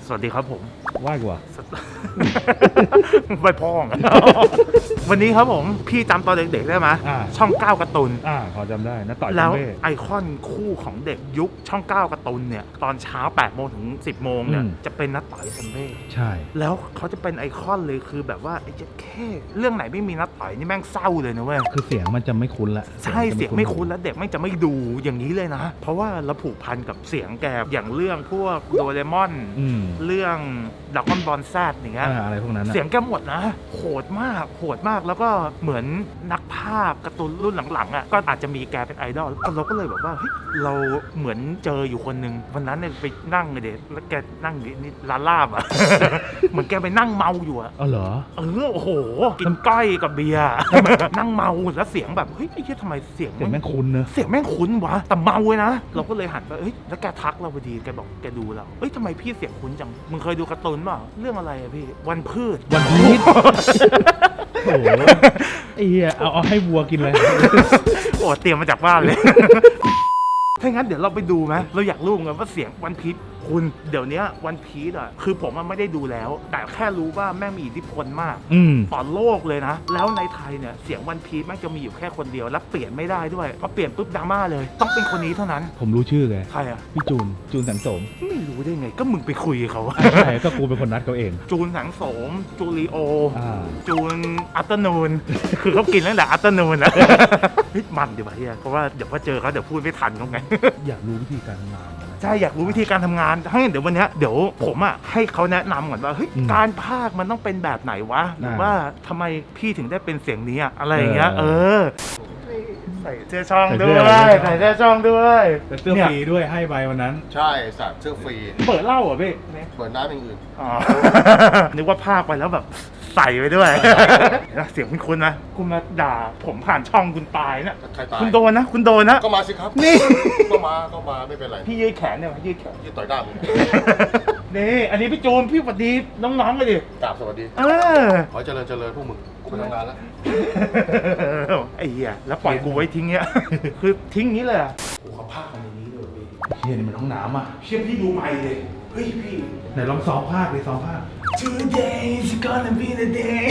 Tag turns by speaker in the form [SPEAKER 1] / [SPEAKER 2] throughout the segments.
[SPEAKER 1] สวัสดีครับผม
[SPEAKER 2] ว่ายกว่า
[SPEAKER 1] ไปพ้อง วันนี้ครับผมพี่จำตอนเด็กๆได้ไหมช่อง9การ์ตูน
[SPEAKER 2] พอจำได้นะต่อย
[SPEAKER 1] แล้ว
[SPEAKER 2] เบ้
[SPEAKER 1] ไอคอนคู่ของเด็กยุคช่อง9การ์ตูนเนี่ยตอนเช้า8 โมงถึง 10 โมงเนี่ยจะเป็นนัดต่อยซัมเบ้
[SPEAKER 2] ใช่
[SPEAKER 1] แล้วเขาจะเป็นไอคอนเลยคือแบบว่าไอ้เจ๊แค่เรื่องไหนไม่มีนัดต่อยนี่แม่งเศร้าเลยนะเว้ย
[SPEAKER 2] คือเสียงมันจะไม่คุ้นละ
[SPEAKER 1] ใช่เสียงไม่คุ้นแล้วเด็กไม่จะไม่ดูอย่างนี้เลยนะ เพราะว่าเราผูกพันกับเสียงแกอย่างเรื่องพวกโดเรมอนเรื่องดราก้อนบอลแซดอย่างเงี้ย
[SPEAKER 2] อะไรพวกนั้น
[SPEAKER 1] เสียงแกหมดนะโหดมากแล้วก็เหมือนนักภาพการ์ตูนรุ่นหลังๆอ่ะก็อาจจะมีแกเป็นไอดอลเราก็เลยแบบว่าเฮ้ยเราเหมือนเจออยู่คนนึงวันนั้นเนี่ยไปนั่งเลยเด็กแล้วแกนั่งอยู่นี่ร้านลาบอ่ะ เหมือนแกไปนั่งเมาอยู่อ่ะ
[SPEAKER 2] เหรอ
[SPEAKER 1] โอ้โหกินก้อยกับเบียร์ นั่งเมาแล้วเสียงแบบเฮ้ยไอ้เหี้ยทำไมเสียง
[SPEAKER 2] แม่งคุ้นเนอะ
[SPEAKER 1] เสียงแม่งคุ้นวะแต่เมาเลยนะเราก็เลยหันไปเฮ้ยแล้วแกทักเราพอดีแกบอกแกดูเราเฮ้ยทำไมพี่เสียงคุ้นจังมึงเคยดูการ์ตูนเปล่าเรื่องอะไรอะพี่วันพืช
[SPEAKER 2] วันพีชโอ้โหไอ้เหี้ยเอาให้วัวกินเลย
[SPEAKER 1] โอ้เตรียมมาจากบ้านเลย ถ้างั้นเดี๋ยวเราไปดูไหมเราอยากรู้ไงว่าเสียงวันพีชคุณเดี๋ยวนี้วันพีชอ่ะคือผมไม่ได้ดูแล้วแต่แค่รู้ว่าแม่งมีอิทธิพลมากต่อโลกเลยนะแล้วในไทยเนี่ยเสียงวันพีชแม่งจะมีอยู่แค่คนเดียวและเปลี่ยนไม่ได้ด้วยพอเปลี่ยนปุ๊บดราม่าเลยต้องเป็นคนนี้เท่านั้น
[SPEAKER 2] ผมรู้ชื่อไง
[SPEAKER 1] ใครอ่ะ
[SPEAKER 2] พี่จูนสังสม
[SPEAKER 1] ไม่รู้ได้ไงก็มึงไปคุยเขา
[SPEAKER 2] ใช่ก็กูเป็นคนนัดเขาเอง
[SPEAKER 1] จูนสังสมจูริโอจูนอัตโนนคือเขากินตั้งแต่อัตโนนนะมันดีกว่าเฮียเพราะว่าเดี๋ยวพอเจอเขาเดี๋ยวพูดไม่ทันเขาไง
[SPEAKER 2] อยากรู้วิธีการทำงาน
[SPEAKER 1] ใช่อยากรู้วิธีการทำงานถ้างั้นเดี๋ยววันนี้เดี๋ยวผมอ่ะให้เขาแนะนำก่อนว่าเฮ้ยการพากย์มันต้องเป็นแบบไหนวะหรือว่าทำไมพี่ถึงได้เป็นเสียงนี้อะไรอย่างเงี้ยใส่เสื้อช่องด้วยใส่เสื้อช่องด้วย
[SPEAKER 2] เสื้อฟรีด้วยให้ไปวันนั้น
[SPEAKER 3] ใช่สัตว์เสื้อฟรี
[SPEAKER 1] เปิดเหล้าเหรอพี่
[SPEAKER 3] เปิดน้ำอย่างอื่น
[SPEAKER 1] นึกว่าพากย์ไปแล้วแบบใส่ไปด้วยเสียงคุณนะคุณมาด่าผมผ่านช่องคุณตายนะคุณโดนนะ
[SPEAKER 3] ก็มาสิครับ
[SPEAKER 1] นี่
[SPEAKER 3] ก็มาไม่เป็นไร
[SPEAKER 1] พี่ยืดแขนเนี่ยยืดแขน
[SPEAKER 3] ยืดต่อยด้าม
[SPEAKER 1] นี่อันนี้พี่จูนพี่สวัสดีน้องๆเลยดิ
[SPEAKER 3] กราบสวัสดีขอเจริญพวกมึงกูไปทำงานแล้ว
[SPEAKER 1] ไอ้เหี้ยแล้วปล่อยกูไว้ทิ้งเงี้ยคือทิ้งนี้เลยโอ้เขาพากมาในนี้เลย
[SPEAKER 2] พี่เฮียนี่มันห้องน้ำอ่ะ
[SPEAKER 1] เชี่ยพี่ดูใหม่เลยเฮ้ยพี่
[SPEAKER 2] ไหนลองซ้อมภาคเลยซ้อมภาค
[SPEAKER 1] Today's gonna be the day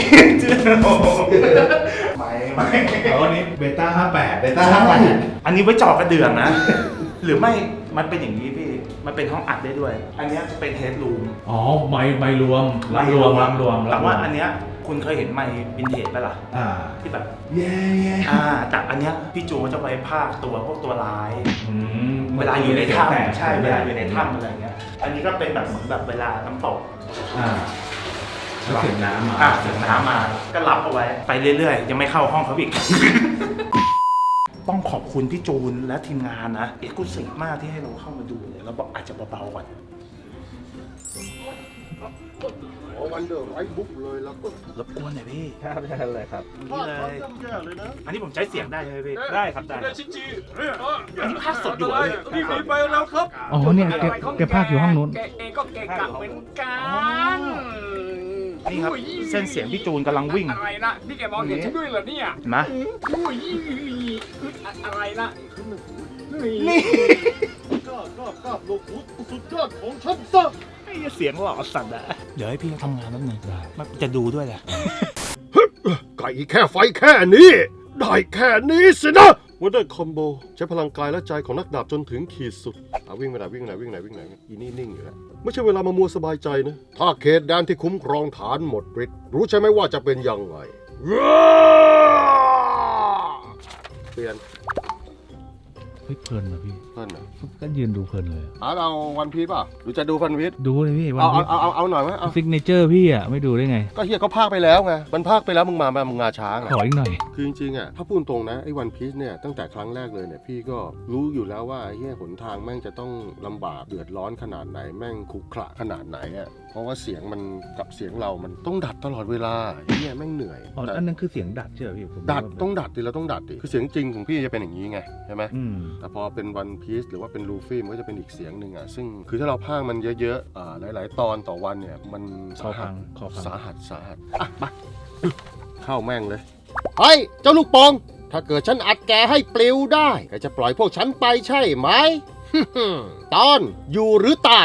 [SPEAKER 1] ไม่
[SPEAKER 2] วันนี้เบต้า58
[SPEAKER 1] อันนี้ไว้จ่อกระเดื่องนะหรือไม่มันเป็นอย่างนี้พี่มันเป็นห้องอัดได้ด้วยอันนี้จะเป็นเฮดรูม
[SPEAKER 2] ไม่รวม
[SPEAKER 1] แต่ว่าอันเนี้ยคุณเคยเห็นไมค์วินเทจไหมล่ะที่แบบแต่อันเนี้ยพี่โจจะไว้ภาคตัวพวกตัวร้ายเวลาอยู่ในถ้ำใช่เวลาอยู่ในถ้ำอะไรเงี้ยอันนี้ก็เป็นแบบเหมือนแบบเวลาน้ำตก
[SPEAKER 2] เสียงน้ำ
[SPEAKER 1] มาก็รับเอาไว้ไปเรื่อยๆยังไม่เข้าห้องเขาอีก ต้องขอบคุณพี่จูนและทีมงานนะเอกลุศิมากที่ให้เราเข้ามาดูเนี่ยเราบอกอาจจะเบาๆก่อน
[SPEAKER 3] วันเดอร์ไรบุ๊กเลยแล้วก็
[SPEAKER 1] รบกวนหน่อยพี่
[SPEAKER 2] ครับใช่เลยครับ
[SPEAKER 1] นี่เลยอันนี้ผมใช้เสียงได้เลยพี่ได้ครับได้
[SPEAKER 4] ชิจิ
[SPEAKER 1] อันนี้ภาคสดอยู่เลย
[SPEAKER 4] รีบไปแล้วครับ
[SPEAKER 2] เนี่ยแกภาคอยู่ห้องนู้น
[SPEAKER 4] แกเองก็เกะกะเหมือนกัน
[SPEAKER 1] นี่ครับเส้นเสียงพี่จูนกำลังวิ่ง
[SPEAKER 4] อะไรนะนี่แกมองเห็นฉันด้วยเหรอเนี่ย
[SPEAKER 1] มา
[SPEAKER 4] อะไรนะ
[SPEAKER 1] นี่
[SPEAKER 3] ก็โลกุตสุดยอดของฉันซะ
[SPEAKER 1] เสียงหล่อสัตว์อะเดี๋ยวให้พี่ทำงานแป๊บนึงมันจะดูด้วยแหละ
[SPEAKER 3] ไก่แค่ไฟแค่นี้ได้แค่นี้สินะวันเดอร์คอมโบใช้พลังกายและใจของนักดาบจนถึงขีดสุดวิ่งไปไหนอีนี่นิ่งอยู่แล้วไม่ใช่เวลามามัวสบายใจนะถ้าเขตแดนที่คุ้มครองฐานหมดฤทธิ์รู้ใช่ไหมว่าจะเป็นยังไงเปลี่ยน
[SPEAKER 2] เพลินนะพี่
[SPEAKER 3] เพลินนะ
[SPEAKER 2] ก็ยืนดูเพลินเลย
[SPEAKER 3] เอาวันพีชป่ะหรือจะดูวันพีช
[SPEAKER 2] ดูเลยพี่
[SPEAKER 3] เอาหน่อยไหม
[SPEAKER 2] ซิกเนเจอร์พี่อ่ะไม่ดูได้ไง
[SPEAKER 3] ก็เฮียเขาพากไปแล้วไงมันพากไปแล้วมึงงาช้าง
[SPEAKER 2] ขออีกหน่อย
[SPEAKER 3] คือจริงๆอ่ะถ้าพูดตรงนะไอ้วันพีชเนี่ยตั้งแต่ครั้งแรกเลยเนี่ยพี่ก็รู้อยู่แล้วว่าเฮียหนทางแม่งจะต้องลำบากเดือดร้อนขนาดไหนแม่งขรุขระขนาดไหนอ่ะเพราะว่าเสียงมันกับเสียงเรามันต้องดัดตลอดเวลาเฮียแม่งเหนื่อย
[SPEAKER 2] อันนั้นคือเสียงดัดใช่ไหมพี่
[SPEAKER 3] ดัดต้องดัดดิเราต้องดัดดิคือเสียงจริงของพี่จะเป็นอย่างนี้ไงใช่ไหมแต่พอเป็นวันพีชหรือว่าเป็นลูฟี่มันก็จะเป็นอีกเสียงหนึ่งอ่ะซึ่งคือถ้าเราพากมันเยอะๆหลายๆตอนต่อวันเนี่ยมันสาหัสมาเข้าแม่งเลยเฮ้ยเจ้าลูกปองถ้าเกิดฉันอัดแกให้ปลิวได้แกจะปล่อยพวกฉันไปใช่ไหม ตอนอยู่หรือตาย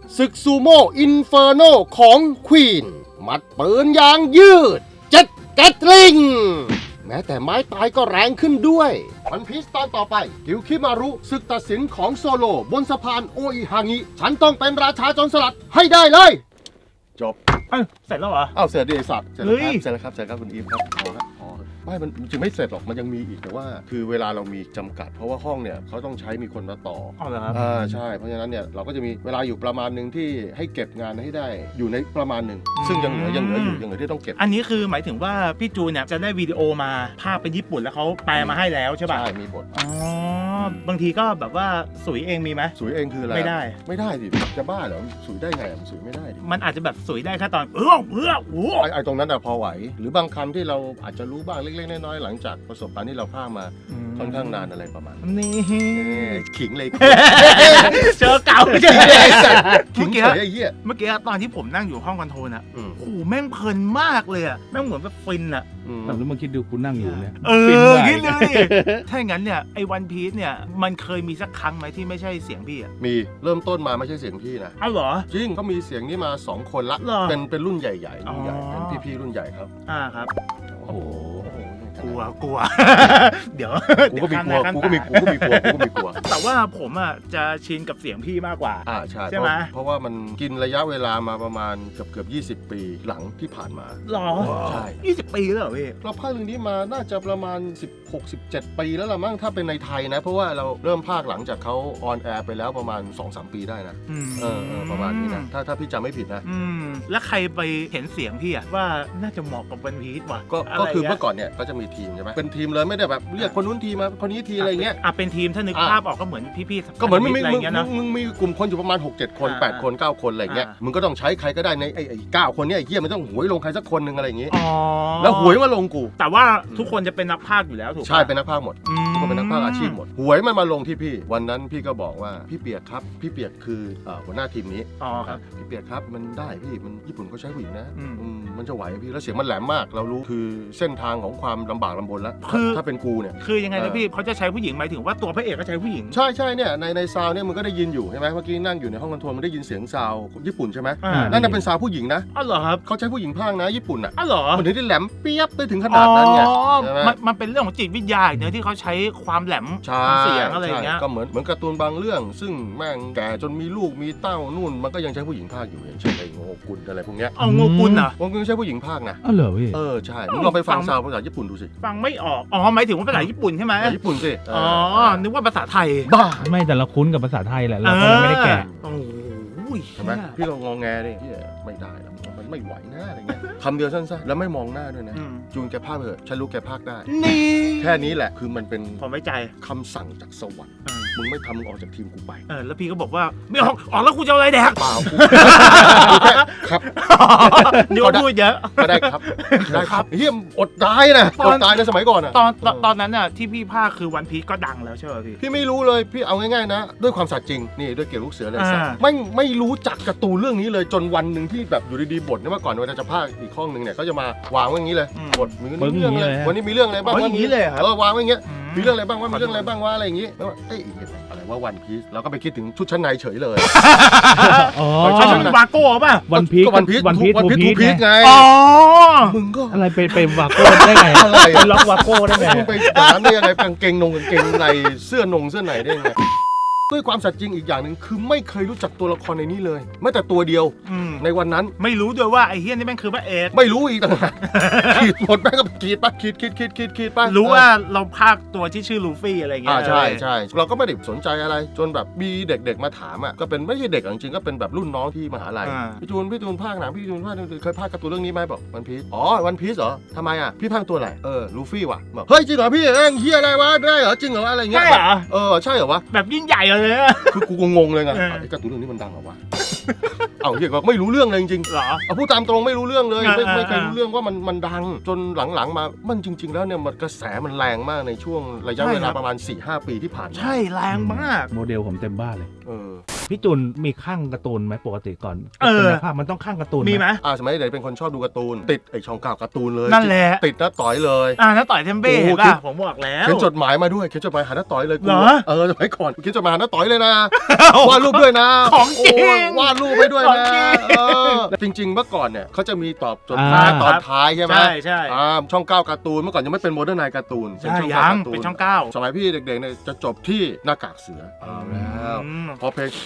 [SPEAKER 3] ศึกซูโม่อินเฟอร์โนของควีนมัดปืนยางยืดเจ็ดแกตลิงแม้แต่ไม้ตายก็แรงขึ้นด้วยวันพีซตอนต่อไปกิวคิมารุศึกตัดสินของโซโลบนสะพานโออิฮางิฉันต้องเป็นราชาโจรสลัดให้ได้เลยจบ
[SPEAKER 1] เอ้ยเสร็จแล้วเหรอ
[SPEAKER 3] อ้าวเสร็จดิไอ้สัตว์เสร็จ
[SPEAKER 1] เฮ้
[SPEAKER 3] แล้วครับ
[SPEAKER 1] ย
[SPEAKER 3] เสร็จแล้วครับคุณอีฟครับพอครับพอไม่มันจริงไม่เสร็จหรอกมันยังมีอีกแต่ว่า คือเวลาเรามีจำกัด เพราะว่าห้องเนี่ยเขาต้องใช้มีคนมาต่อ
[SPEAKER 1] เอาเหรอครับ
[SPEAKER 3] ใช่เพราะฉะนั้นเนี่ยเราก็จะมีเวลาอยู่ประมาณหนึ่งที่ให้เก็บงานให้ได้อยู่ในประมาณหนึ่งซึ่งยังเหลืออยู่ยังเหลือที่ต้องเก็บ
[SPEAKER 1] อันนี้คือหมายถึงว่าพี่จูนเนี่ยจะได้วิดีโอมาภาพเป็นญี่ปุ่นแล้วเขาแปลมาให้แล้วใช่ป่ะ
[SPEAKER 3] ใช่มีบท
[SPEAKER 1] อ๋อบางทีก็แบบว่าสุยเองมีไหม
[SPEAKER 3] สุยเองคืออะไร
[SPEAKER 1] ไม่ได้
[SPEAKER 3] ไม่ได้ดิจะบ้าเหรอสุยได้ไงมันสุยไม่ได้ดิ
[SPEAKER 1] มันอาจจะแบบสุยได้แค่ตอนโอ้
[SPEAKER 3] ไอ้ตรงนั้นอะพอไหวหรือบางคำที่เราอาจจะรู้บ้างเล็กๆน้อยๆหลังจากประสบการณ์ที่เราพากมาค่อนข้างนานอะไรประมาณนั้น
[SPEAKER 1] นี่
[SPEAKER 3] ขิงเลย
[SPEAKER 1] เจอเก่าเจอ
[SPEAKER 3] ขิ
[SPEAKER 1] เมื่
[SPEAKER 3] ง
[SPEAKER 1] อกี้
[SPEAKER 3] เฉยไอ้เหี้ย
[SPEAKER 1] เมื่อกี้ตอนที่ผมนั่งอยู่ห้องคอนโทรลอ่ะ
[SPEAKER 3] อืม
[SPEAKER 1] โอ้โหแม่งเพลินมากเลยอ่ะแม่งเหมือนแบบฟินอ่ะ
[SPEAKER 2] แต่แล้วมาคิดดูคุณนั่งอยู่เนี่ย
[SPEAKER 1] คิ
[SPEAKER 2] ฟิ
[SPEAKER 1] ด
[SPEAKER 2] น
[SPEAKER 1] ดู
[SPEAKER 2] มาก
[SPEAKER 1] ดิถ้าอย่างนั้นเนี่ยไอ้วันพีซเนี่ยมันเคยมีสักครั้งไหมที่ไม่ใช่เสียงพี่อ่ะ
[SPEAKER 3] มีเริ่มต้นมาไม่ใช่เสียงพี่นะ
[SPEAKER 1] อ้าวเหรอ
[SPEAKER 3] จริงก็มีเสียงนี้มา2 คนละ
[SPEAKER 1] เหรอ
[SPEAKER 3] เป็นรุ่นใหญ่ๆรุ่นใหญ่
[SPEAKER 1] อ๋อ
[SPEAKER 3] เป็นพี่ๆรุ่นใหญ่ครับ
[SPEAKER 1] ครับ
[SPEAKER 3] โอ้โห
[SPEAKER 1] กลัว เดี๋ยว
[SPEAKER 3] กูก็มีกลัว
[SPEAKER 1] เดี๋ย
[SPEAKER 3] กูก็มี
[SPEAKER 1] ขั้นตา
[SPEAKER 3] กลัว
[SPEAKER 1] แต่ว่าผมอ่ะจะชินกับเสียงพี่มากกว่า
[SPEAKER 3] ใช่
[SPEAKER 1] ใช่ไหม
[SPEAKER 3] เพราะว่ามันกินระยะเวลามาประมาณเกือบ20 ปีหลังที่ผ่านมา
[SPEAKER 1] หรอ
[SPEAKER 3] ใช่
[SPEAKER 1] 20 ปีแล้วเหรอพี่
[SPEAKER 3] เราพากย์เรื่องนี้มาน่าจะประมาณ16-17 ปีแล้วล่ะมั้งถ้าเป็นในไทยนะ เพราะว่าเราเริ่มพากย์หลังจากเขาออนแอร์ไปแล้วประมาณ 2-3 ปีได้นะประมาณนี้นะถ้าพี่จำไม่ผิดนะ
[SPEAKER 1] แล้วใครไปเห็นเสียงพี่อะว่าน่าจะเหมาะกับวันพีซว่ะ
[SPEAKER 3] ก็คือเมื่อก่อนเนี่ยก็จะมีทีมใช่ไหมเป็นทีมเลยไม่ได้แบบเรียกคนนู้นทีมาคนนี้ทีอะไรเงี้ย
[SPEAKER 1] เป็นทีมถ้านึกภาพออกก็เหมือนพี่ๆ
[SPEAKER 3] ก็เหมือนมึง
[SPEAKER 1] อะไรเงี้ยนะ
[SPEAKER 3] มึงมีกลุ่มคนอยู่ประมาณ 6-7 คน 8 คน 9 คนอะไรเงี้ย
[SPEAKER 1] อ่ามึ
[SPEAKER 3] มึงก็ต้องใช้ใครก็ได้ในไอ้9 คนเนี้ไอ้เหี้ยมันต้องหวยลงใครสักคนหนึ่งอะไรอย่างงี้
[SPEAKER 1] อ๋อ
[SPEAKER 3] แล้วหวยมาลงกู
[SPEAKER 1] แต่ว่าทุกคนจะเป็นนักพากย์อยู่แล้วถูกปะ
[SPEAKER 3] ใช่เป็นนักพากย์หมดทุกคนเป็นนักพากย์อาชีพหมดหวยมันมาลงที่พี่วันนั้นพี่ก็บอกว่าพี่เปียกครับพี่เปียกคือหัวหน้าทีมนี้
[SPEAKER 1] อ๋อครับ
[SPEAKER 3] พี่เปียกครับมันได้พี่มันญี่ปุ่นเขาใช้ผู้หญิงนะ
[SPEAKER 1] อืม
[SPEAKER 3] มันจะไหวพี่แล้วเสียงมันแหลมมากเรารู้คือเส้นทางของความลำบากลำบนแล้ว
[SPEAKER 1] คือ
[SPEAKER 3] ถ้าเป็นกูเนี่ย
[SPEAKER 1] คือยังไงนะพี่เขาจะใช้ผู้หญิงหมายถึงว่าตัวพระเอกก็ใช้ผู้หญิง
[SPEAKER 3] ใช่เนี่ยในซาวเนี่ยมึงก็ได้ยินอยู่ใช่ไหมเมื่อกี้นั่งอยู่ในห้องคอนโทรลมึงได้ยินเสียงซาวญี่ปุ่นใช่ไหม นั่นน่ะเป็นซาวผู้หญิงนะ
[SPEAKER 1] อ้าวเหรอครับ
[SPEAKER 3] เขาใช้ผู้หญิงพากย์นะญี่ปุ่นอ่ะ
[SPEAKER 1] อ้าวเหรอ
[SPEAKER 3] มันถึงได้แหลมเปียบได้ถึงขนาดนั้นไงใช่ไหม
[SPEAKER 1] มันเป็นเรื่องของจิตวิทยาเนื้อะที่เขาใช้ความแหลม
[SPEAKER 3] ใช่
[SPEAKER 1] ของเสียงอะไรอย่างเงี้ย
[SPEAKER 3] ก็เหมือนการ์ตูนบางเรื่อง ซึ่งแม่งแก่จนมีลูกมีเต้านู่นมันก็ยังใช้ผู้หญิงพากย์อยู่อย่างเช่นไอ้โงกุลอะไรพวกเนี้ย
[SPEAKER 1] เอาโงกุลอ่ะ
[SPEAKER 3] วงกุลใช้ผู้หญิงพากย์นะ
[SPEAKER 2] อ้าวเหรอพี่
[SPEAKER 3] ใช่มึงลองไปฟังซาวภาษาญี่ปุ่นดูสิ
[SPEAKER 1] ฟังไม่ออกหมายถึงว่าภาษาญี่ปุ่นใช่ไหม
[SPEAKER 3] ภาษาญี่ปุ่นสิ
[SPEAKER 1] นึกว่าภาษาไทย
[SPEAKER 3] บ้า
[SPEAKER 2] ไม่แต่เราคุ้นกับภาษาไทยแหละเราก็เลยไม่ได้แกะ
[SPEAKER 1] โอ้โห
[SPEAKER 3] ใช่ไหมพี่ลองงอแงดิพี่ไม่ได้นะมันไม่ไหวนะอะไรเงี้ยคำเดียวสั้นๆแล้วไม่มองหน้าด้วยนะ จูนแกพากย์เถอะฉันรู้แกพากย์ได้
[SPEAKER 1] นี่
[SPEAKER 3] แค่นี้แหละคือมันเป็น
[SPEAKER 1] ผมไว้ใจ
[SPEAKER 3] คำสั่งจากสวรรค์มึงไม่ทำมึงออกจากทีมกูไป
[SPEAKER 1] แล้วพี่ก็บอกว่าไม่ออกแล้วกูจะเอาอะไรแดก
[SPEAKER 3] เปล่ากูแค่ครับ
[SPEAKER 1] นี่ว่าพูดเยอะ
[SPEAKER 3] ก็ได้ครับได้ครับเฮียอดตายนะอดตายในสมัยก่อนอ่ะ
[SPEAKER 1] ตอนนั้นน่ะที่พี่ภาคคือวันพีซก็ดังแล้วใช่ไหมพี่
[SPEAKER 3] พี่ไม่รู้เลยพี่เอาง่ายๆนะ ด้วยความสัตย์จริงนี่ด้วยเกี่ยวลูกเสือเลยสัตว์
[SPEAKER 1] อ่า
[SPEAKER 3] ไม่รู้จักการ์ตูนเรื่องนี้เลยจนวันหนึ่งที่แบบอยู่ดีๆบทเนี่ยเมื่อก่อนเวลาจะภาคอีกห้องหนึ่งเนี่ยก็จะมาวางไว้อย่างนี้เลยบทมีเรื่องอะไรวันนี้มีเรื่องอะไรบ้าง
[SPEAKER 1] อย่างนี้เลยครับ
[SPEAKER 3] วางไว้อย่างเงี้ยมีเรื่องอะไรบ้างว่ามีเรื่องอะไรบ้างว่าอะไรอย่างงี้แล้วว่าเอ้ยอะไรว่าวันพีซเราก็ไปคิดถึงชุดชั้นในเฉยเลย
[SPEAKER 2] อ๋อ
[SPEAKER 1] ใช่ใช่วาโก้ป่ะ
[SPEAKER 2] วันพีช
[SPEAKER 3] ก็วันพีซ
[SPEAKER 2] วันพีช
[SPEAKER 3] ทู
[SPEAKER 2] ทูพี
[SPEAKER 3] พี
[SPEAKER 2] ช
[SPEAKER 3] ซ
[SPEAKER 2] ไง
[SPEAKER 3] ไง
[SPEAKER 1] อ๋อ
[SPEAKER 3] มึงก็
[SPEAKER 2] อะไรเป็นวาโก้ได้ไง
[SPEAKER 3] อะไร
[SPEAKER 2] เป็นล็อกวาโก้ได้ไง
[SPEAKER 3] มึงไปอย่างนั้นได้ยังไงกางเกงในเสื้อในได้ยังไงด้วยความสัตย์จริงอีกอย่างหนึ่งคือไม่เคยรู้จักตัวละครในนี้เลยแม้แต่ตัวเดียวในวันนั้น
[SPEAKER 1] ไม่รู้ด้วยว่าไอ้เฮี้ยนี่แม่งคือพระเอก
[SPEAKER 3] ไม่รู้อีกต่างหากขีดหมดแม่งก็ขีดปะขีดปะ
[SPEAKER 1] รู้ว่าเราภาคตัวที่ชื่อลูฟี่อะไรเงี้ย
[SPEAKER 3] ใช่เราก็ไม่ได้สนใจอะไรจนแบบมีเด็กๆมาถามอ่ะก็เป็นไม่ใช่เด็กจริงๆก็เป็นแบบรุ่นน้องที่มหาลัยพี่จูนภาคหนังพี่จูนภาคเคยภาคการ์ตูนเรื่องนี้ไหมบอกวันพีซวันพีซเหรอทำไมอ่ะพี่ภาคตัวอะไรลูฟี่ว่ะบอกเฮ้ยจริงเหรอพี่เฮียอะไรวะได้เหรอจริงเหรออะไรเงี้ย
[SPEAKER 1] ใช่เหรอ
[SPEAKER 3] ใช่เหรอวะ
[SPEAKER 1] แบบยิ่งใหญ่เลย
[SPEAKER 3] คือกูงงเลยไงไอ้การ์ตูนเรื่องนี้มันดังเหรอวะ เอาเฮียก็ไม่รู้เรื่องเลยจริง
[SPEAKER 1] เหรอ
[SPEAKER 3] เอาพูดตามตรงไม่รู้เรื่องเลยไม่เคย
[SPEAKER 1] อ่า
[SPEAKER 3] รู้เรื่องว่ามันดังจนหลังๆมามันจริง ๆ แล้วเนี่ยมันกระแสมันแรงมากในช่วงระยะเวลาประมาณ 4-5 ปีที่ผ่านมา
[SPEAKER 1] ใช่แรงมาก
[SPEAKER 2] โมเดลผมเต็มบ้านเลยพี่จุนมีข้างการ์ตูนไหมปกติก่อน
[SPEAKER 1] เออ
[SPEAKER 2] เป็นนักภาพมันต้องข้างการ์ตูน
[SPEAKER 1] มีไหม
[SPEAKER 3] สมัยเด็กเป็นคนชอบดูการ์ตูนติดไอ้ช่องเก่าการ์ตูนเลย
[SPEAKER 1] นั่นแหละ
[SPEAKER 3] ติดน้าต่อยเลย
[SPEAKER 1] น้าต่อยเทมเบ้
[SPEAKER 3] โอ้โห
[SPEAKER 1] เห็นป่ะผมบอกแล้ว
[SPEAKER 3] เขียนจดหมายมาด้วยเขียนจดหมายหาน้าต่อยเลยกู
[SPEAKER 1] เหรอ
[SPEAKER 3] สมัยก่อนเขียนจดหมายหาน้าต่อยเลยนะวาดรูปด้วยนะ
[SPEAKER 1] ของจริง
[SPEAKER 3] โอ้ยวาดรูปไปด้วย
[SPEAKER 1] ของ
[SPEAKER 3] นะ
[SPEAKER 1] จริง
[SPEAKER 3] จริงๆเมื่อก่อนเนี่ยเขาจะมีตอบจดหมายตอนท้ายใช่ไหม
[SPEAKER 1] ใช่
[SPEAKER 3] ช่องเก้าการ์ตูนเมื่อก่อนยังไม่เป็นโมเดิร์นไนการ์ตูนเป็น
[SPEAKER 1] ใช่
[SPEAKER 3] ช่อง
[SPEAKER 1] ยั
[SPEAKER 3] เก้าง การ์ตูน
[SPEAKER 1] เป็นช่องเก้า
[SPEAKER 3] สมัยพี่เด็กๆเนี่ยจะจบที่หน้ากากเสือเอาแล้ว พอเพลง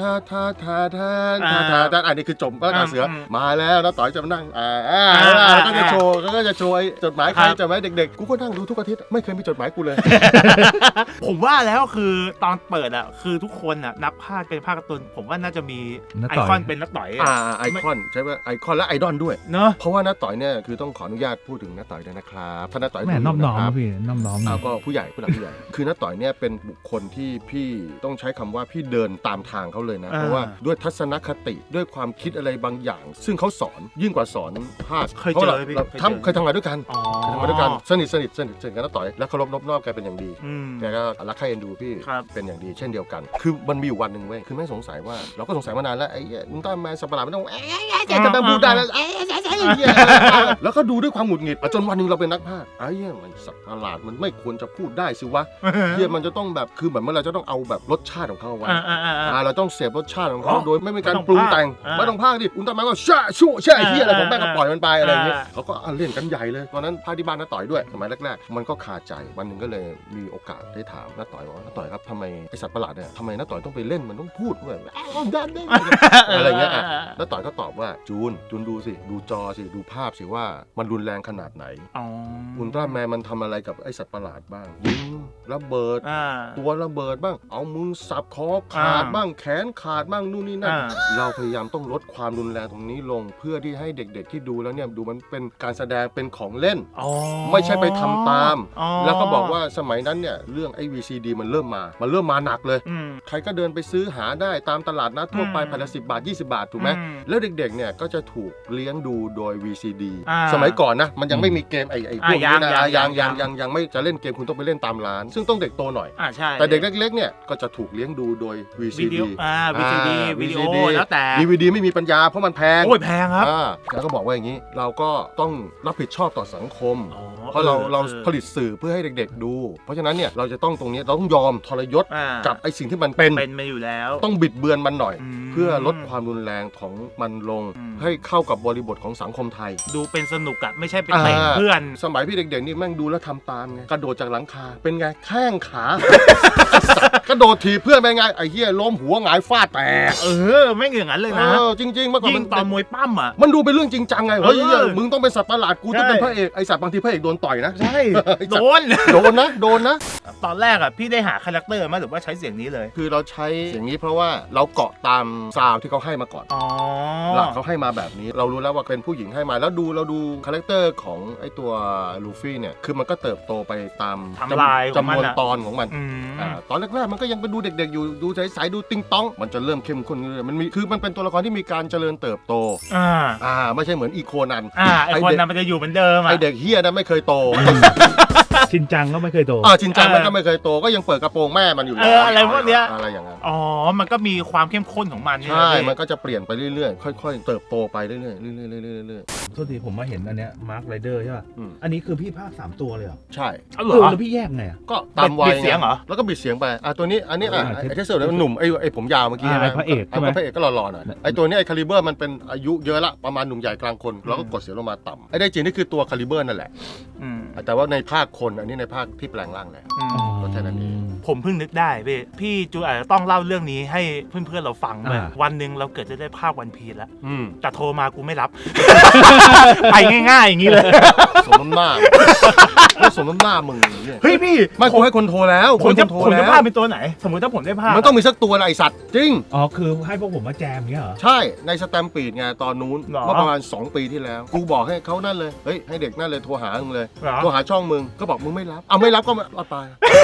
[SPEAKER 3] อันนี้คือจบหน้ากากเสือมาแล้วน้าต่อยจะมานั่งแล้วก็จะโชว์ไอ้จดหมายใครจดหมายเด็กๆกูก็นั่งดูทุกอาทิตย์ไม่เคยมีจดหมายกูเลย
[SPEAKER 1] ผมว่าแล้วคือตอนเปิดอ่ะคือทุกคนอ่ะนับภาคเป็นภาคการ์ตูนผมว่าน่าจะมีไอคอนเป็นนักต่อย
[SPEAKER 3] ไอคอนใช่ไหมไอคอนและไอดอลด้วย
[SPEAKER 1] เนอะ
[SPEAKER 3] เพราะว่าน้าต่อยเนี่ยคือต้องขออนุญาตพูดถึงน้าต่อยด้วยนะครับถ้าน้าต่อย
[SPEAKER 2] แม่น้อมน้อม
[SPEAKER 3] ครับ
[SPEAKER 2] พี่น้อมน้อม
[SPEAKER 3] ก็ผู้ใหญ่ผู้หลักผู้ใหญ่ คือน้าต่อยเนี่ยเป็นบุคคลที่พี่ต้องใช้คำว่าพี่เดินตามทางเขาเลยนะ เพราะว่าด้วยทัศนคติด้วยความคิดอะไรบางอย่าง ซึ่งเขาสอนยิ่งกว่าสอนภาค
[SPEAKER 1] เคยเจอพี่
[SPEAKER 3] เคยทำงานด้วยกัน
[SPEAKER 1] อ๋อ
[SPEAKER 3] เคยทำงานด้วยกันสนิทกันน้าต่อยและเคารพนอบน้อมแกเป็นอย่างดี แกก็รักใคร่เอ็นดูพี่
[SPEAKER 1] ครับ
[SPEAKER 3] เป็นอย่างดีเช่นเดียวกัน คือมันมีอยู่วันหนึ่งเว้ยคือแม่งสงสัยว่าเราก็สงสัยมานานแล้วไอ้อุลตร้าแมนสัตว์ประหลาดมันต้องจะมาพูดได้แล้วแล้วก็ดูด้วยความหงุดหงิดจนวันหนึ่งเราเป็นนักพากย์ไอ้เนี่ยมันสัตว์ประหลาดมันไม่ควรจะพูดได้สิวะเฮียมันจะต้องแบบคือเหมือนเราจะต้องเอาแบบรสชาติของเขาเอาไว้เราต้องเสพรสชาติของเขาโดยไม่มีการปรุงแต่งไม่ต้องพากย์ดิอุลตร้าแมนก็แช่เฮียอะไรของแม่งก็ปล่อยมันไปอะไรอย่างเงี้ยเขาก็เล่นกันใหญ่เลยตอนนั้นพาที่บ้านน้าต่อยด้วยสมัยแรกๆมันก็คาใจวันหนึ่งก็เลยมีโอกาสได้ถามน้าต่อยว่าน้าต่อยครับทำไมไอสัตว์ประหลาดเนี่ยทำไมน้าต่อยต้องไปเล่นมันต้องพูดแบบอะไรเงี้ยน้าต่อยก็ตอบว่าจูนดูสิดูจอสิดูภาพสิว่ามันรุนแรงขนาดไหนอุลตร้าแมนมันทำอะไรกับไอสัตว์ประหลาดบ้างยิงระเบิดตัวระเบิดบ้างเอามือสับคอขาดบ้างแขนขาดบ้างนู่นนี่นั่นเราพยายามต้องลดความรุนแรงตรงนี้ลงเพื่อที่ให้เด็กๆที่ดูแล้วเนี่ยดูมันเป็นการแสดงเป็นของเล่นไม่ใช่ไปทำตามแล้วก็บอกว่าสมัยนั้นเนี่ยเรื่องไอ้ VCD มันเริ่มมาหนักเลยใครก็เดินไปซื้อหาได้ตามตลาดนัดทั่วไปแผ่นละ10 บาท 20 บาทถูกไหมแล้วเด็กๆเนี่ยก็จะถูกเลี้ยงดูโดย VCD สมัยก่อนนะมันยังไม่มีเกมไอ้พวกนี้นะยังไม่จะเล่นเกมคุณต้องไปเล่นตามร้านซึ่งต้องเด็กโตหน่อยแต่เด็กเล็กๆเนี่ยก็จะถูกเลี้ยงดูโดย VCD
[SPEAKER 1] วิดีโอแล้วแต่
[SPEAKER 3] DVD ไม่มีปัญญาเพราะมันแพง
[SPEAKER 1] โอ้ยแพงครับ
[SPEAKER 3] แล้วก็บอกว่าอย่างนี้เราก็ต้องรับผิดชอบต่อสังคมเพราะเราผลิตสื่อเพื่อให้เด็กๆดูเพราะฉะนั้นเนี่ยเราจะต้องตรงนี้เราต้องยอมทรยศกับไอ้สิ่งที่มันเป็น
[SPEAKER 1] มาอยู่แล้ว
[SPEAKER 3] ต้องบิดเบือนมันหน่อยเพื่อลดความรุนแรงของมันลงให้เข้ากับบริบทของสังคมไทย
[SPEAKER 1] ดูเป็นสนุกอะไม่ใช่เป็นเตะเพื่อน
[SPEAKER 3] สมัยพี่เด็กๆนี่แม่งดูแล้วทำตามไงกระโดดจากหลังคาเป็นไงแข้งขา กระโดดถีบเพื่อนเป็นไงไอ้เหี้ยล้มหัวหงายฟาดแตก
[SPEAKER 1] ไม่เหงื่องั้นเลยนะ
[SPEAKER 3] จริงๆเมื่อก่อน
[SPEAKER 1] ยิ่งตอนมวยปั้มอะ
[SPEAKER 3] มันดูเป็นเรื่องจริงจังไงเฮ้ยมึงต้องเป็นสัตว์ประหลาดกูต้องเป็นพระเอกไอสัตว์บางทีพระเอกโดนต่อยนะ
[SPEAKER 1] ใช่โดนนะตอนแรกอะพี่ได้หาคาแรคเตอร์มาหรือว่าใช้เสียงนี้เลย
[SPEAKER 3] คือเราใช้เสียงนี้เพราะว่าเราเกาะตามซาวที่เขาให้มาก่อนหลักเขาให้มาแบบนี้เรารู้แล้วว่าเป็นผู้หญิงให้มาแล้วเราดูคาแรคเตอร์ของไอตัวลูฟี่เนี่ยคือมันก็เติบโตไปตามจำนวนตอนของมันตอนแรกๆมันก็ยังเป็นดูเด็กๆอยู่ดูใสๆดูติงต้องมันจะเริ่มเข้มข้นมันมีคือมันเป็นตัวละครที่มีการเจริญเติบโตไม่ใช่เหมือนอีโคนัน
[SPEAKER 1] ไอคนนั้นมันจะอยู่เหมือนเดิม
[SPEAKER 3] ไอเด็กเฮียนั้นไม่เคยโต
[SPEAKER 2] ชินจังก็ไม่เคยโต
[SPEAKER 3] ชินจังมันก็ไม่เคยโตก็ยังเปิดกระโปรงแม่มันอยู่
[SPEAKER 1] อะไรพวกเนี้ย
[SPEAKER 3] อะไรอย่างนั้น
[SPEAKER 1] มันก็มีความเข้มข้นของมัน
[SPEAKER 3] ใช่มันก็จะเปลี่ยนไปเรื่อยๆค่อยๆเติบโตไปเรื่อยๆ
[SPEAKER 2] โทษทีผมมาเห็นอันเนี้ยมาร์คไรเดอร์ใช่ป่ะอันนี้คือพี่ภาค3ตัวเลยเหรอ
[SPEAKER 3] ใช่
[SPEAKER 2] แล้วพี่แยกไง
[SPEAKER 3] ก็ตามวัย
[SPEAKER 1] เสียงเหรอ
[SPEAKER 3] แล้วก็บิดเสียงไปตัวนี้อันนี้ไอ้ที่สุดมันหนุ่มไอ้ผมยาวเมื่อกี้ใช่ไหม
[SPEAKER 2] พระเอกใช่ไหม
[SPEAKER 3] พระเอกก็หล่อๆหน่อยไอ้ตัวนี้ไอ้คาลิเบอร์มันเป็นอายุเยอะละประมาณหนุ่มใหญ่กลางคนแล้วก็กดเสียงลงมาต่ำไอ้ได้จริงนี่คือตัวคาลิเบอร์นั่นแหละแต่ว่าในภาคคนอันนี้ในภาคที่แปลงร่างแล้วก็แค่นั้นเอง
[SPEAKER 1] ผมเพิ่งนึกได้พี่จูอาจจะต้องเล่าเรื่องนี้ให้เพื่อนๆเราฟังเลยวันหนึ่งเราเกิดจะได้ภาควันพีซแล้วแต่โทรมากูไม่รับไปง่ายๆอย่างนี้เลย
[SPEAKER 3] สมน้ำหน้าสมน้ำหน้ามึงเนี่ย
[SPEAKER 1] เฮ้ยพี่
[SPEAKER 3] ไม่กูให้คนโทรแล้ว
[SPEAKER 1] ผมจะภาคเป็นตัวไหนสมมติถ้าผมได้ภาค
[SPEAKER 3] มันต้องมีสักตัวอะไรสัตว์จริง
[SPEAKER 2] คือให้พวกผมมาแจมเงี้ยเหรอ
[SPEAKER 3] ใช่ในสแตมปีดไงตอนนู้นเมื่อประมาณ2 ปีที่แล้วกูบอกให้เขานั่นเลยเฮ้ยให้เด็กนั่นเลยโทรหามึงเลยโทรหาช่องมึงก็บอกมึงไม่รับไม่รับก็มาตาย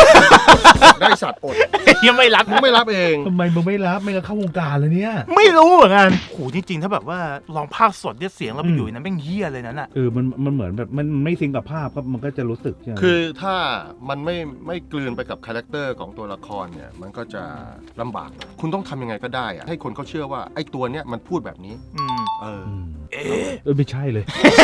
[SPEAKER 3] ได้สัตว์อด
[SPEAKER 1] ยังไม่รับ
[SPEAKER 3] มึงไม่รับเอง
[SPEAKER 2] ทำไมมึงไม่รับไม่งั้นเข้าวงการเลยเนี่ย
[SPEAKER 1] ไม่รู้เหมือนกันโหจริงๆถ้าแบบว่าลองภาคสดเนี่ยเสียงเราไปอยู่ในนั้นแม่งเหี้ยเลยนั่นน่ะ
[SPEAKER 2] มันเหมือนแบบมันไม่ซิงกับภาพครับมันก็จะรู้สึกใช่ไหม
[SPEAKER 3] คือถ้ามันไม่กลืนไปกับคาแรคเตอร์ของตัวละครเนี่ยมันก็จะลำบากคุณต้องทำยังไงก็ได้อะให้คนเขาเชื่อว่าไอ้ตัวเนี้ยมันพูดแบบนี้ เออ
[SPEAKER 2] ไม่ใช่เลย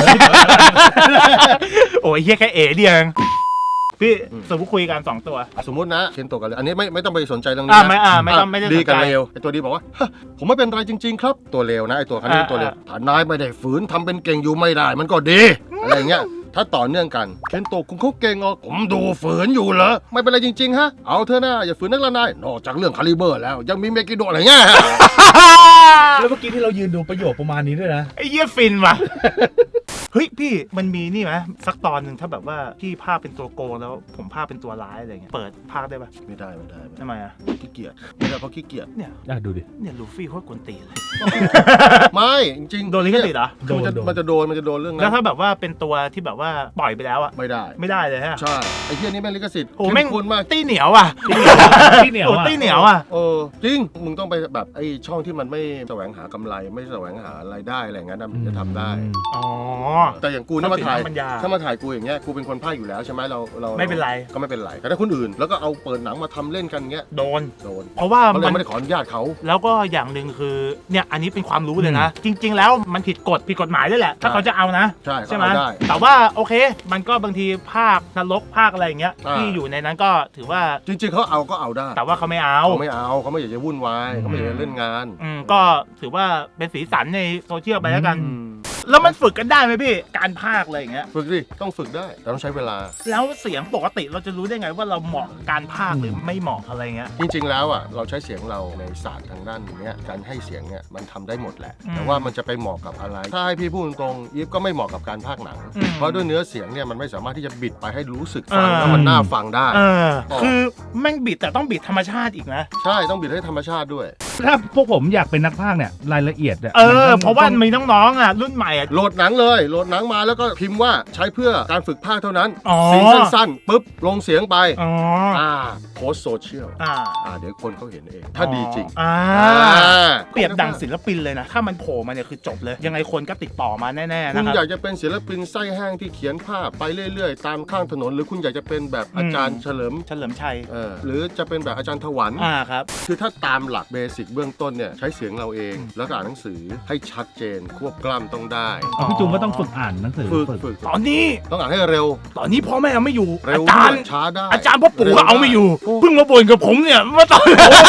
[SPEAKER 1] โอ้ยเหี้ยแค่เอ๋เดียวเองพี่สมมติคุยกัน2ตัว
[SPEAKER 3] สมมตินะเคนโตะกันเลยอันนี้ไม่ต้องไปสนใจเรื่อง
[SPEAKER 1] อ่า
[SPEAKER 3] นี้
[SPEAKER 1] ไม่
[SPEAKER 3] นะ
[SPEAKER 1] ไม่ต้องไม่ได้
[SPEAKER 3] ดี
[SPEAKER 1] สน
[SPEAKER 3] กับ
[SPEAKER 1] ใจ
[SPEAKER 3] เลวไอ้ตัวดีบอกว่าฮะผมไม่เป็นไรจริง ๆ ครับตัวเลวนะไอ้ตัวคันนี้ตัวเลวถ้านายไม่ได้ฝืนทำเป็นเก่งอยู่ไม่ได้มันก็ดีอะไรอย่างเงี้ยถ้าต่อเนื่องกันเคนโตะคุณเขาเก่งอ๋อผมดูฝืนอยู่เหรอไม่เป็นไรจริงๆฮะเอาเถอะนะอย่าฝืนนักละนายนอกจากเรื่องคาลิเบอร์แล้วยังมีเมกิโดะอะไรเงี้ย
[SPEAKER 2] แล้วเมื่อกี้ที่เรายืนดูประโยคประมาณนี้ด้วยนะ
[SPEAKER 1] ไอ้เหี้ยฟินว่ะ เฮ้ยพี่มันมีนี่ไหมสักตอนหนึ่งถ้าแบบว่าพี่ภาคเป็นตัวโกงแล้วผมภาคเป็นตัวร้ายอะไรเงี้ยเปิดภาคได้ปะ
[SPEAKER 3] ไม่ได้
[SPEAKER 1] ทำไมอ่ะ
[SPEAKER 3] ขี้เกียจไม่ได้เพราะขี้เกียจ
[SPEAKER 1] เนี่ย
[SPEAKER 2] ดูดิ
[SPEAKER 1] เนี่ยลูฟี่โคตรกวนตีนเลย
[SPEAKER 3] ไม่จริงๆ
[SPEAKER 1] โดนลิขสิทธิ์เหรอ
[SPEAKER 3] มันจะโดนเรื่อง
[SPEAKER 1] แล้ว
[SPEAKER 3] นั้น
[SPEAKER 1] ถ้าแบบว่าเป็นตัวที่แบบว่าปล่อยไปแล้วอ่ะ
[SPEAKER 3] ไม่ได้
[SPEAKER 1] ไม่ได้เลยฮะ
[SPEAKER 3] ใช่ไอ้เหี้ยนี่แม่งลิขสิทธิ์
[SPEAKER 1] โอ้แม่ง
[SPEAKER 3] เข้มข้นมาก
[SPEAKER 1] ตี้เหนียวอ่ะ
[SPEAKER 2] ที่เหนียว
[SPEAKER 1] โอ้
[SPEAKER 2] อ่ะ
[SPEAKER 1] ตี้เหนียวอ่ะ
[SPEAKER 3] จริงมึงต้องไปแบบไอ้ช่องที่มันไม่แสวงหากำไรไม่แสวงหารายได้อะไรอย่างนั้นนะมึงจะทำได้
[SPEAKER 1] อ๋อ
[SPEAKER 3] แต่อย่างกูเนี่ยมาถ่าย
[SPEAKER 1] ต้องเป็นน้ำปัญญา
[SPEAKER 3] ถ้ามาถ่ายกูอย่างเงี้ยกูเป็นคนพากย์อยู่แล้วใช่ไหมเรา
[SPEAKER 1] ไม่เป็นไร
[SPEAKER 3] ก็ไม่เป็นไรแต่ถ้าคนอื่นแล้วก็เอาเปิดหนังมาทำเล่นกันเงี้ย
[SPEAKER 1] โดน
[SPEAKER 3] โดน
[SPEAKER 1] เพราะว่า
[SPEAKER 3] เขาเลย
[SPEAKER 1] มัน
[SPEAKER 3] ไม่ได้ขออนุญาตเขา
[SPEAKER 1] แล้วก็อย่างหนึ่งคือเนี่ยอันนี้เป็นความรู้เลยนะ จริง ๆ แล้วมันผิดกฎหมายด้วยแหละ ถ้าเขาจะเอานะ
[SPEAKER 3] ใช่
[SPEAKER 1] ใช่ไหม
[SPEAKER 3] เขาเอาได้
[SPEAKER 1] แต่ว่าโอเค มันก็บางทีภาคนรกภาคอะไรอย่างเงี้ย
[SPEAKER 3] อ่า
[SPEAKER 1] ที่อยู่ในนั้นก็ถือว่า
[SPEAKER 3] จริงๆเขาเอาก็เอาได้
[SPEAKER 1] แต่ว่าเขาไม่เอา
[SPEAKER 3] เขาไม่เอาเขาไม่อยากจะวุ่นวายเขาไม่อยากจะเล่นงาน
[SPEAKER 1] ก็ถือว่าเป็นสีสันในโซเชียลไปแล้วกัน แล้วมันฝึกกันได้ไหมพี่การภาคอะไรอย่างเงี้ย
[SPEAKER 3] ฝึกดิต้องฝึกได้แต่ต้องใช้เวลา
[SPEAKER 1] แล้วเสียงปกติเราจะรู้ได้ไงว่าเราเหมาะกับการภาคหรือไม่เหมาะอะไรเงี้ย
[SPEAKER 3] จริงๆแล้วอ่ะเราใช้เสียงเราในศาสตร์ทางด้านเนี้ยการให้เสียงเนี่ยมันทำได้หมดแหละ
[SPEAKER 1] อืม
[SPEAKER 3] แต่ว่ามันจะไปเหมาะกับอะไร ถ้าให้พี่พูดตรงๆอีฟก็ไม่เหมาะกับการพากย์หนัง
[SPEAKER 1] อืม
[SPEAKER 3] เพราะด้วยเนื้อเสียงเนี่ยมันไม่สามารถที่จะบิดไปให้รู้สึกฟังแล้วมันน่าฟังได้
[SPEAKER 1] คือแม่งบิดแต่ต้องบิดธรรมชาติอีกนะ
[SPEAKER 3] ใช่ต้องบิดให้ธรรมชาติด้วย
[SPEAKER 2] ถ้าพวกผมอยากเป็นนักพากย์เนี่ยรายละเอียดอะ
[SPEAKER 1] เพราะว่ามีน้องๆอ่ะรุ่นใหม่อ่ะ
[SPEAKER 3] โหลดหนังเลยโหลดหนังมาแล้วก็พิมพ์ว่าใช้เพื่อการฝึกพากย์เท่านั้น
[SPEAKER 1] อ๋อ
[SPEAKER 3] ซีนสั้นๆปุ๊บลงเสียงไป
[SPEAKER 1] อ๋อ
[SPEAKER 3] โพสโซเชียล เดี๋ยวคนเขาเห็นเอง ถ้าดีจริง
[SPEAKER 1] เปรียบดังศิลปินเลยนะ ถ้ามันโผล่มาเนี่ยคือจบเลย ยังไงคนก็ติดต่อมาแน่ๆ
[SPEAKER 3] คุ
[SPEAKER 1] นะ
[SPEAKER 3] ณ
[SPEAKER 1] ครับ
[SPEAKER 3] อยากจะเป็นศิลปินไส้แห้งที่เขียนภาพไปเรื่อยๆ ตามข้างถนน หรือคุณอยากจะเป็นแบบอาจารย์เฉลิม
[SPEAKER 1] เฉลิมชัย
[SPEAKER 3] หรือจะเป็นแบบอาจารย์ถวัน
[SPEAKER 1] ครับ
[SPEAKER 3] คือถ้าตามหลักเบสิกเบื้องต้นเนี่ยใช้เสียงเราเอง แล้วก็อ่านหนังสือให้ชัดเจนควบกล้ำต้องได้
[SPEAKER 2] พี่จุงก็ต้องฝึกอ่านหนังสือ
[SPEAKER 3] ฝึก
[SPEAKER 1] ตอนนี้
[SPEAKER 3] ต้องอ่านให้เร็ว
[SPEAKER 1] พ่อแม่ไม่อยู่
[SPEAKER 3] เร็ว
[SPEAKER 1] อาจารย์
[SPEAKER 3] ช้าได้
[SPEAKER 1] อาจารย์พ่อปู่ก็เอาไม่อยู่
[SPEAKER 3] โอ้
[SPEAKER 1] เพิ่งมาบ่นกับผมเนี่ยว่าตอน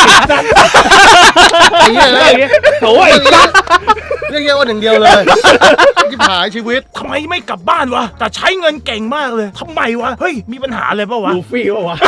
[SPEAKER 3] ไอ้เหี้ยเลย
[SPEAKER 2] โอ้ย
[SPEAKER 3] เรียกแค่ว่าหนึ่งเดียวเลย ที่หายชีวิต
[SPEAKER 1] ทำไมไม่กลับบ้านวะ แต่ใช้เงินเก่งมากเลยทำไมวะ เฮ้ย มีปัญหาอะไรเปล่าวะ
[SPEAKER 2] ลูฟี่ปะวะ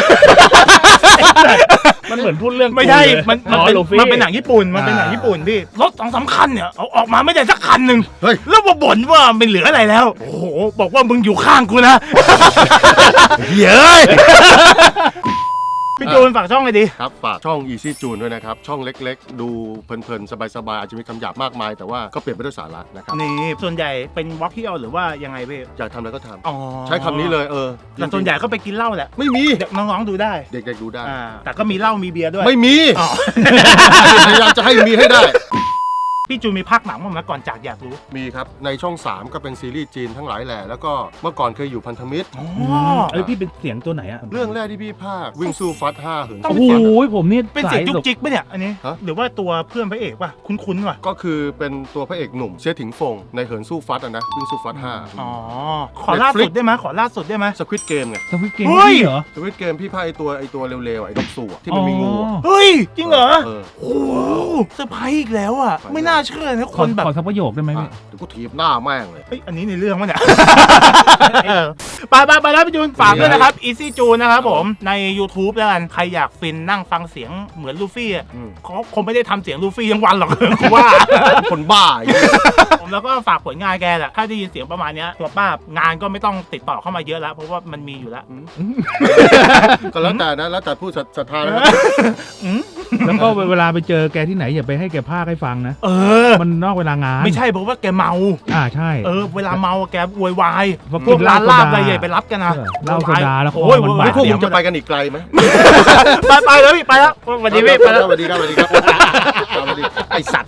[SPEAKER 2] มันเหมือนพูดเรื่อง
[SPEAKER 1] ไม่ใช่
[SPEAKER 2] กูเลย
[SPEAKER 1] มันเป็นหนังญี่ปุ่น มันเป็นหนังญี่ปุ่นพี่ รถ2-3 คันเนี่ย เอาออกมาไม่ได้สักคันหนึ่ง
[SPEAKER 3] เฮ้ย
[SPEAKER 1] แล้วมาบ่นว่าไม่เหลืออะไรแล้ว โอ้โห บอกว่ามึงอยู่ข้างกูนะ
[SPEAKER 3] เย้ย
[SPEAKER 1] พี่จูนฝากช่องเลยดิ
[SPEAKER 3] ครับฝากช่อง Easy June ด้วยนะครับ ช่องเล็กๆ ดูเพลินๆ สบายๆ อาจจะมีคำหยาบมากมาย แต่ว่าก็เปลี่ยนไปด้วยสาระนะครับ
[SPEAKER 1] นี่ ส่วนใหญ่เป็นวอล์กเที่ยวหรือว่ายังไงพี่
[SPEAKER 3] อยากทำอะไรก็ท
[SPEAKER 1] อ๋อ
[SPEAKER 3] ำใช้คำนี้เลย
[SPEAKER 1] แต่ส่วนใหญ่ก็ไปกินเหล้าแหละ
[SPEAKER 3] ไม่มี
[SPEAKER 1] เด็กน้องๆดูได้
[SPEAKER 3] เด็กๆดูได้
[SPEAKER 1] แต่ก็มีเหล้ามีเบียร์ด้วย
[SPEAKER 3] ไม่มี
[SPEAKER 1] อ๋อ
[SPEAKER 3] พยายามจะให้มีให้ได้
[SPEAKER 1] พี่จูนมีภาคหนังบ้างไหมก่อนจากอยากรู้
[SPEAKER 3] มีครับ ในช่อง 3 ก็เป็นซีรีส์จีนทั้งหลายแหล่แล้วก็เมื่อก่อนเคยอยู่พันธมิตร
[SPEAKER 2] พี่เป็นเสียงตัวไหนอะ
[SPEAKER 3] เรื่องแรกที่พี่ภาควิ่งสู้ฟัด5เหิน
[SPEAKER 1] ต้
[SPEAKER 2] โอ้
[SPEAKER 1] ง
[SPEAKER 2] โห
[SPEAKER 3] สู้ฟัด
[SPEAKER 2] ผมนี่
[SPEAKER 1] เป็นเสียงจุกจิกปะเนี่ยอันนี้
[SPEAKER 3] ฮะ
[SPEAKER 1] หรือว่าตัวเพื่อนพระเอกป่ะคุ้นๆว่ะ
[SPEAKER 3] ก็คือเป็นตัวพระเอกหนุ่มเสียถิงฟงในเหินสู้ฟัดนะวิ่งสู้ฟัด
[SPEAKER 1] อ๋อ ขอล่าสุดได้ไหมขอล่าสุดได้ไหม
[SPEAKER 3] 5สควิตเกมไง
[SPEAKER 2] สวิตเกม
[SPEAKER 1] เฮ้ย
[SPEAKER 2] พี่เหรอ
[SPEAKER 3] สควิตเกมพี่ภาคไอตัวเร็วๆไอ้ดอกสูที่มันมีงูอะ
[SPEAKER 1] เฮ้ย จริงเหรอ
[SPEAKER 3] เออ
[SPEAKER 1] โอ้โหเซอร์ไพรส์อีกแล้วอ่ะ ไม่น่าเชื่อนะ
[SPEAKER 2] ข
[SPEAKER 1] ค
[SPEAKER 2] อน
[SPEAKER 1] แบบ
[SPEAKER 2] ขอสักประโยคได้ไหมพี่
[SPEAKER 3] เดี๋ยวกูถีบหน้าแม่งเลย
[SPEAKER 1] เฮ้ย อันนี้ในเรื่องวะเนี่ย ไปแล้วพี่จูนฝากด้วยนะครับ Easy จูนนะครับผมใน YouTube แล้วกัน ใครอยากฟินนั่งฟังเสียงเหมือนลูฟี่อ่ะ
[SPEAKER 3] อืม
[SPEAKER 1] เขาคงไม่ได้ทำเสียงลูฟี่ทั้งวันหรอก กูว่า
[SPEAKER 3] คนบ้าอย่างเงี้ย
[SPEAKER 1] ผมแล้วก็ฝากผลงานแกแหละ ถ้าได้ยินเสียงประมาณเนี้ยตัวป้างานก็ไม่ต้องติดต่อเข้ามาเยอะแล้ว เพราะว่ามันมีอยู่แล้ว
[SPEAKER 3] ก็แล้วแต่นะแล้วแต่ผู้ศรัทธานะครับ
[SPEAKER 1] อืม
[SPEAKER 2] แล้วก็เวลาไปเจอแกที่ไหนอย่าไปให้แกพากให้ฟังนะ มันนอกเวลางาน
[SPEAKER 1] ไม่ใช่เพราะว่าแกเมา
[SPEAKER 2] ใช่
[SPEAKER 1] เวลาเมาแกโวยวาย
[SPEAKER 2] พอ
[SPEAKER 1] พวกร้านลาบ
[SPEAKER 2] กินเหล้า
[SPEAKER 1] อะไรใหญ่ไปรับกันนะ
[SPEAKER 2] เหล้าโซดาแล้ว
[SPEAKER 1] โอ้ย
[SPEAKER 2] คอมันบาด
[SPEAKER 3] พวกมึงจะไปกันอีกไกลไหม
[SPEAKER 1] ไปเลยพี่ไปแล้ววันนี้พี่ไปแล้ว
[SPEAKER 3] สวัสดีครับสวัสดีครับสวัสดีไอสัตว์